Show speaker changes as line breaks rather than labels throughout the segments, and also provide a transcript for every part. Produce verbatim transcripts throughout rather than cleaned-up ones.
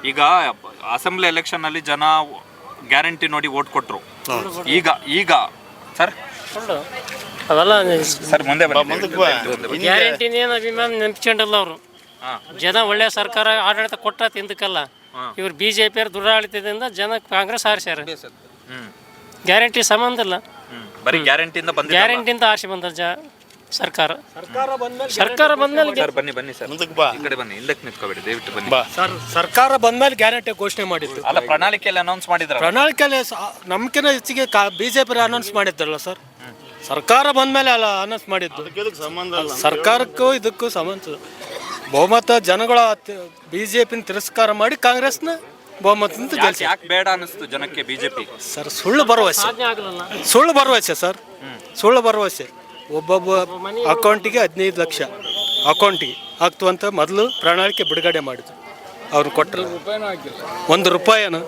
ಈಗ assembly election ಅಲ್ಲಿ ಜನ ಗ್ಯಾರಂಟಿ ನೋಡಿ ವೋಟ್ ಕೊಟ್ರು. ಈಗ ಈಗ ಸರ್
ಅವೆಲ್ಲ
ಸರ್ ಮುಂದೆ
ಗ್ಯಾರಂಟಿನೇನು ಅಭಿಮಾನ ನೆನಪಿಸ್ಕೊಂಡಲ್ಲ ಅವರು. ಜನ ಒಳ್ಳೆ ಸರ್ಕಾರ ಆಡಳಿತ ಕೊಟ್ಟ ತಿಂದಕ್ಕಲ್ಲ. ಇವ್ರು ಬಿ ಜೆ ಪಿಯವ್ರ ದುರಾಡಳಿತದಿಂದ ಜನ ಕಾಂಗ್ರೆಸ್ ಆರಿಸ್ಯಾರ. ಗ್ಯಾರಂಟಿ ಸಂಬಂಧ ಇಲ್ಲ,
ಬರೀ ಗ್ಯಾರಂಟಿಯಿಂದ ಬಂದ
ಗ್ಯಾರಂಟಿಯಿಂದ ಆರಿಸಿ ಬಂದ ಜ ಸರ್ಕಾರ ಸರ್ಕಾರ ಬಂದ್ಮೇಲೆ
ಸರ್ ಬನ್ನಿ ಬನ್ನಿ ಸರ್ ಮುಂದಕ್ಕೆ ಬಾ, ಈ ಕಡೆ ಬನ್ನಿ, ಹಿಂದಕ್ಕೆ ನಿಂತ್ಕೋಬೇಡಿ ದಯವಿಟ್ಟು ಬನ್ನಿ.
ಸರ್ ಸರ್ಕಾರ ಬಂದ್ಮೇಲೆ ಗ್ಯಾರಂಟಿ ಘೋಷಣೆ ಮಾಡಿದ್ದು
ಅಲ್ಲ, ಪ್ರಣಾಳಿಕೆಯಲ್ಲಿ ಅನೌನ್ಸ್ ಮಾಡಿದ್ರ.
ಪ್ರಣಾಳಿಕೆಯಲ್ಲಿ ನಮ್ಕಿನ ಹೆಚ್ಚಿಗೆ ಬಿಜೆಪಿ ಅನೌನ್ಸ್ ಮಾಡಿದ್ರಲ್ಲ ಸರ್. ಸರ್ಕಾರ ಬಂದ್ಮೇಲೆ ಅಲ್ಲ ಅನೌನ್ಸ್ ಮಾಡಿದ್ದು. ಸರ್ಕಾರಕ್ಕೂ ಇದಕ್ಕೂ ಸಂಬಂಧ. ಬಹುಮತ ಜನಗಳ ಬಿಜೆಪಿನ ತಿರಸ್ಕಾರ ಮಾಡಿ ಕಾಂಗ್ರೆಸ್ನ ಬಹುಮತದಿಂದ ಗೆಲ್ಸಿ.
ಯಾಕೆ ಬೇಡ ಅನಿಸ್ತು ಜನಕ್ಕೆ ಬಿಜೆಪಿ?
ಸರ್ ಸುಳ್ಳು ಭರವಸೆ, ಸುಳ್ಳು ಭರವಸೆ ಸರ್, ಸುಳ್ಳು ಭರವಸೆ. ಒಬ್ಬೊಬ್ಬ ಅಕೌಂಟಿಗೆ ಹದಿನೈದು ಲಕ್ಷ ಅಕೌಂಟಿಗೆ ಆಗ್ತುವಂತ ಮೊದಲು ಪ್ರಣಾಳಿಕೆ ಬಿಡುಗಡೆ ಮಾಡಿದ್ರು. ಅವ್ರು ಕೊಟ್ಟರು ಒಂದು ರೂಪಾಯಿನ.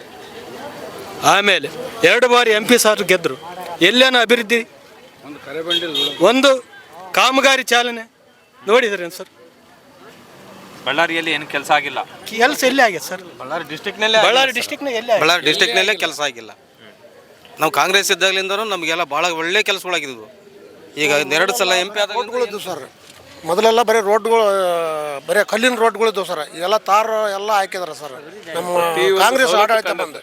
ಆಮೇಲೆ ಎರಡು ಬಾರಿ ಎಂ ಪಿ ಸಾರ್ ಗೆದ್ದರು. ಎಲ್ಲೇನೋ ಅಭಿವೃದ್ಧಿ, ಒಂದು ಕಾಮಗಾರಿ ಚಾಲನೆ ನೋಡಿದ್ರೇನು ಸರ್?
ಬಳ್ಳಾರಿಯಲ್ಲಿ ಏನು ಕೆಲಸ ಆಗಿಲ್ಲ.
ಕೆಲಸ ಎಲ್ಲಿ ಆಗಿದೆ ಸರ್?
ಬಳ್ಳಾರಿ ಡಿಸ್ಟಿಕ್ನಲ್ಲೇ
ಬಳ್ಳಾರಿ ಡಿಸ್ಟಿಕ್ನಾಗ ಎಲ್ಲಿ
ಬಳ್ಳಾರಿ ಡಿಸ್ಟಿಕ್ನಲ್ಲೇ ಕೆಲಸ ಆಗಿಲ್ಲ. ನಾವು ಕಾಂಗ್ರೆಸ್ ಇದ್ದಾಗಲಿಂದನೂ ನಮಗೆಲ್ಲ ಭಾಳ ಒಳ್ಳೆ ಕೆಲಸಗಳಾಗಿದ್ವು. ಈಗ ಎರಡು ಸಲ ಎಂ ಪಿ ಆದ
ರೋಡ್ಗಳಿದ್ದು ಸರ್. ಮೊದಲೆಲ್ಲ ಬರೀ ರೋಡ್ಗಳು, ಬರೀ ಕಲ್ಲಿನ ರೋಡ್ಗಳಿದ್ದು ಸರ್. ಎಲ್ಲ ತಾರ ಎಲ್ಲ ಹಾಕಿದಾರೆ ಸರ್. ನಮ್ಮ ಕಾಂಗ್ರೆಸ್ ಆಡಳಿತ ಬಂದು